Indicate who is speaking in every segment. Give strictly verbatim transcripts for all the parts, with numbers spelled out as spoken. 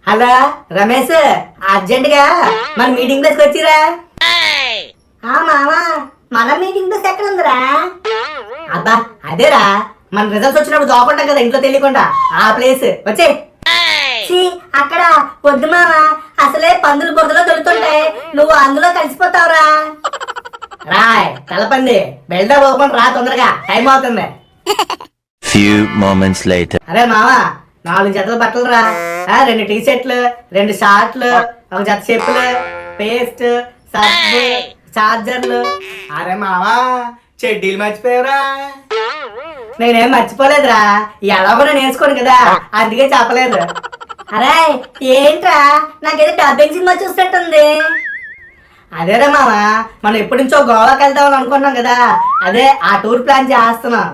Speaker 1: Hello Ramesh, urgent గా మన meeting ప్లేస్కి వచ్చిరా. మామా మన మీటింగ్ ప్లేస్ ఎక్కడ ఉందిరా? అబ్బా అదేరా, మన రిజల్ట్స్ వచ్చినప్పుడు దోకుంటాం కదా ఇంట్లో తెలియకుండా, ఆ ప్లేస్ వచ్చే. అక్కడ పొద్దు మామ, అసలే పందులు బురదలో దొరుకుతుంటాయి, నువ్వు అందులో కలిసిపోతావురా. రాయ్ తలపంది, బెల్దా పోకుండా రా, తొందరగా టైం అవుతుంది.
Speaker 2: Few moments later.
Speaker 1: అరే మామ, నాలుగు జతల బట్టలు రా, రెండు టీ షర్ట్లు, రెండు షార్ట్లు, ఒక జత చెప్పులు, పేస్ట్, సబ్బు, చార్జర్లు. అరే మామా, చెడ్డీలు మర్చిపోయావురా. నేనేం మర్చిపోలేదురా, ఎలా కూడా నేర్చుకోను కదా, అందుకే చెప్పలేదు. అరే ఏంట్రా, నాకేదో డబ్బింగ్ సినిమా చూసినట్టుంది. అదేరా మామ, మనం ఎప్పటి నుంచో గోవాకి వెళ్తామని అనుకున్నాం కదా, అదే ఆ టూర్ ప్లాన్ చేస్తున్నాం.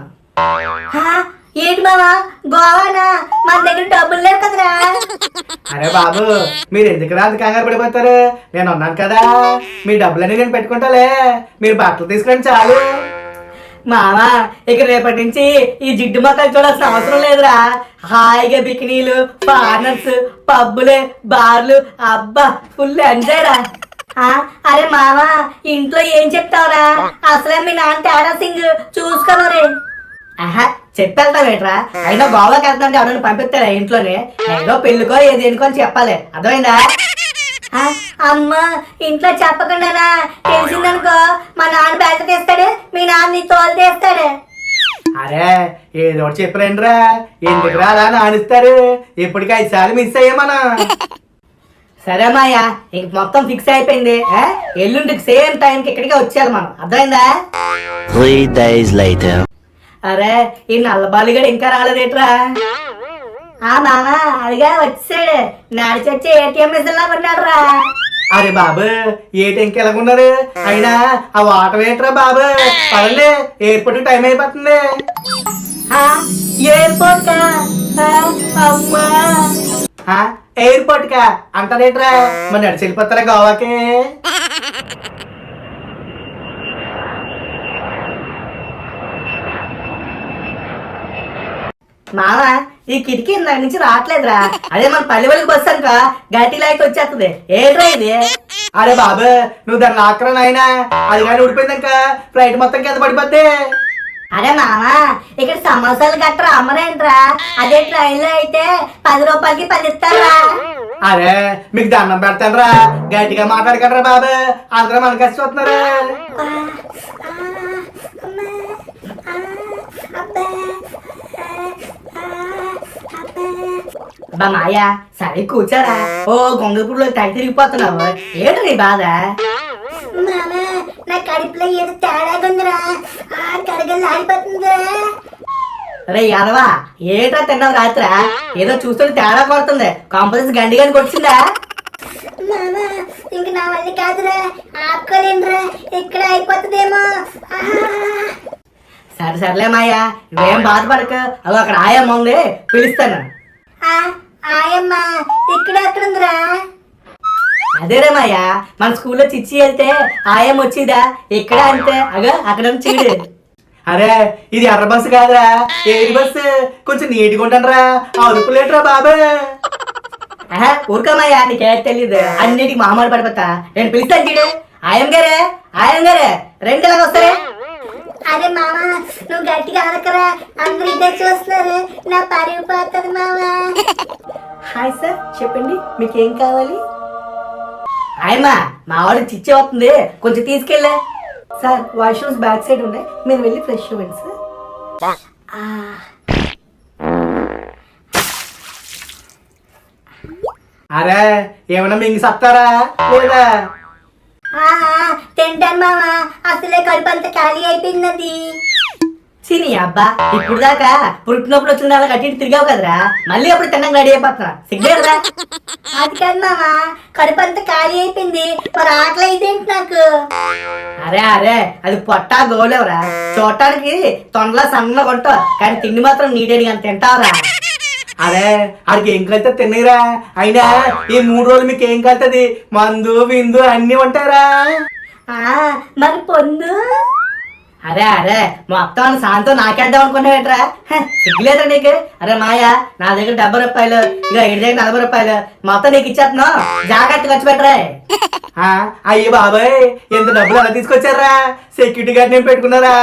Speaker 1: ఏంటి మామా గోవానా? మన దగ్గర డబ్బులు లేవు కదరా. అరే బాబు, మీరు ఎందుకు అంత కంగారు పడిపోతారు, నేను ఉన్నాను కదా, మీ డబ్బులన్నీ నేను పెట్టుకుంటాలే, మీరు బట్టలు తీసుకురండి చాలు. మామా ఇక రేపటి నుంచి ఈ జిడ్డు మొక్కలు చూడాల్సిన అవసరం లేదురా, హాయిగా బికినీలు, పార్నర్స్, పబ్బులే, బార్లు, అబ్బా ఫుల్ ఎంజాయ్ రా. అరే మామా, ఇంట్లో ఏం చెప్తావురా, అసలే మీ నాన్న తేడా సింగ్ చూసుకోమరే. ఆహా చెప్పేళ్తావేట్రా, అయినా గోవాకి వెళ్తాంటే ఎవరైనా పంపిస్తారా ఇంట్లోనే, ఏదో పెళ్ళికో ఏది ఎన్నుకో అని చెప్పాలి, అర్థమైందా? అమ్మా ఇంట్లో చెప్పకుండానా, తెలిసిందనుకో మా నాన్న బయట తీస్తాడు, మీ నాన్న నీ తోలు తీస్తాడు. అరే ఏదో ఒకటి చెప్పలేండిరా, ఎందుకు రా అలా నానిస్తారు, ఇప్పటికి ఐదు సార్లు మిస్ అయ్యామనా. సరే మాయా, ఇంక మొత్తం ఫిక్స్ అయిపోయింది, ఎల్లుండికి సేమ్ టైంకి ఇక్కడికే వచ్చేయాలి మనం, అర్థమైందా?
Speaker 2: Three days later.
Speaker 1: అరే ఈ నల్లబాలిగాడు ఇంకా రాలేదేట్రా? ఆ మామ అదిగా వచ్చాడు, నడిచి వచ్చి ఏటీఎం మిషన్ లా పడినాడు రా. అరే బాబు ఏటీఎంకి ఎలాగున్నారు, అయినా ఆ వాటర్ ఏంట్రా బాబు, పదండి ఎయిర్పోర్ట్ టైం అయిపోతుంది. ఎయిర్పోర్ట్ కా? అమ్మా ఎయిర్పోర్ట్ కా అంటారేట్రా, మరి నడిచి వెళ్ళిపోతారా గోవాకి? మామ ఈ కిటికీ దాని నుంచి రావట్లేదురా, అదే మన పల్లె వాళ్ళకి బస్సు అనుక గట్టి లాకి వచ్చేస్తుంది, ఏంట్రా ఇది? అరే బాబు నువ్వు దాన్ని లాక్కరా నాయనా, అది కానీ ఊడిపోయిందనుక ఫ్లైట్ మొత్తం కింద పడిపోద్ది. అరే మామ ఇక్కడ సమోసాలు గట్రా అమ్మరేంట్రా, అదే ట్రైన్ లో అయితే పది రూపాయలకి పది ఇస్తారా? అరే మీకు దండం పెడతాను రా, గట్టిగా మాట్లాడగలరా బాబు, అందరూ మన కలిసి వస్తున్నారు. అబ్బా మాయా సరే కూర్చోరా, ఓ గొంగపూడిలో తెగ తిరిగిపోతున్నావు, ఏంటి నీ బాధ? నా కడుపులో ఏదో తేడాగా ఉందిరా, కడగలు ఆడిపోతుందిరా. రే యాదవా ఏట్రా తిన్నావు రాత్రా, ఏదో చూస్తుంటే తేడా కొడుతుంది, కాంపోజిట్ గండి గాని కొట్టిందా? ఇంక నా వల్ల కాదురా, ఆపుకోలేనురా, ఇక్కడ అయిపోతుందేమో. సరే సర్లే మాయా, నువ్వేం బాధపడక, అదో అక్కడ ఆయమ్మ ఉంది పిలుస్తాను. ఆయమ్మ ఇక్కడ ఎక్కడుందిరా? అదేరే మాయా, మన స్కూల్లో చిచ్చి వెళ్తే ఆయమ్మ వచ్చిదా, ఇక్కడ అంతే, అగ అక్కడ చీడు. అరే ఇది ఎర్ర బస్సు కాదురా, ఏది బస్సు, కొంచెం నీట్గా ఉంటానరా, అరుపులేట్రా బాబా. ఊరుకోమయ్యా, నీకేం తెలీదు, అన్నిటికి మామూలు పడిపోతా, నేను పిలుస్తాను చీడు. ఆయమ్మ గారే ఆయమ్మ గారే రెండు ఎలాగ వస్తారే? అరే మామ నువ్వు గట్టిగా అనకరా, అందరూ ఇద్దరు చూస్తున్నారు, నా పరుగు పోతుంది మామ. హాయ్ సార్ చెప్పండి మీకేం కావాలి? ఆయమ్మా మా వాడు చిచ్చి అవుతుంది, కొంచెం తీసుకెళ్ళా. సార్ వాష్రూమ్స్ బ్యాక్ సైడ్ ఉన్నాయి, మీరు వెళ్ళి ఫ్రెష్ అవ్వండి సార్. అరే ఏమన్నా మింగి సత్తారా లేదా? తింటాను మామ, అసలే కడుపు అంతా ఖాళీ అయిపోయింది. సినీ అబ్బా ఇప్పుడు దాకా పుట్టినప్పుడు వచ్చిన వాళ్ళకి అటు ఇటు తిరిగావు కదరా, మళ్ళీ అప్పుడు తిన్నాక రెడీ అయిపోతున్నా, సిగ్గేరా? అది కాదు మామ, కడుపు అంతా ఖాళీ అయిపోయింది, మరి ఆకలి అయితేంటి నాకు. అరే అరే అది పొట్టా గోలేవరా, చూడటానికి తొండలా సన్నగా ఉంటావు, కానీ తిండి మాత్రం నీటేడిగా అంత తింటావురా. అరే ఆడికి ఏం కలుతా తిన్నరా, అయినా ఈ మూడు రోజులు మీకు ఏం కలుతుంది, మందు విందు అన్ని ఉంటారా? మరి పొందు అరే అరే మొత్తం సాయంత్రం నాకేద్దాం అనుకున్నావేట్రా సిగ్గులేదురా నీకు. అరే మాయా నా దగ్గర డెబ్బై రూపాయలు ఇక ఇంటి దగ్గర నలభై రూపాయలు మొత్తం నీకు ఇచ్చేస్తున్నావు, జాగ్రత్త ఖర్చు పెట్టరా. అయ్యి బాబాయ్ ఎంత డబ్బులు అలా తీసుకొచ్చారా, సెక్యూరిటీ గార్డ్ నేను పెట్టుకున్నారా.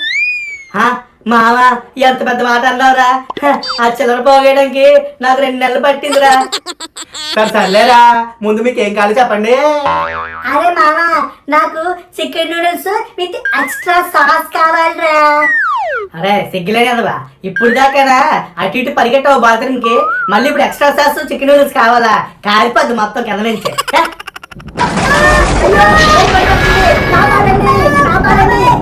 Speaker 1: మావా ఎంత పెద్ద మాట అన్నావురా, ఆ చిల్లర పోగేయడానికి నాకు రెండు నెలలు పట్టిందిరా. సరే సర్లేరా, ముందు మీకు ఏం కావాలి చెప్పండి.
Speaker 3: అరే మామా నాకు chicken noodles with extra sauce కావాలిరా.
Speaker 1: అరే సిగ్గులేని కదవా, ఇప్పుడు దాకానా అటు ఇటు పరిగెట్టావు బాత్రూమ్ కి, మళ్ళీ ఇప్పుడు ఎక్స్ట్రా సాస్ చికెన్ నూడిల్స్ కావాలా, కాలిపోద్ది మొత్తం కింద నుంచి.
Speaker 3: కాపాడండి, కాపాడండి.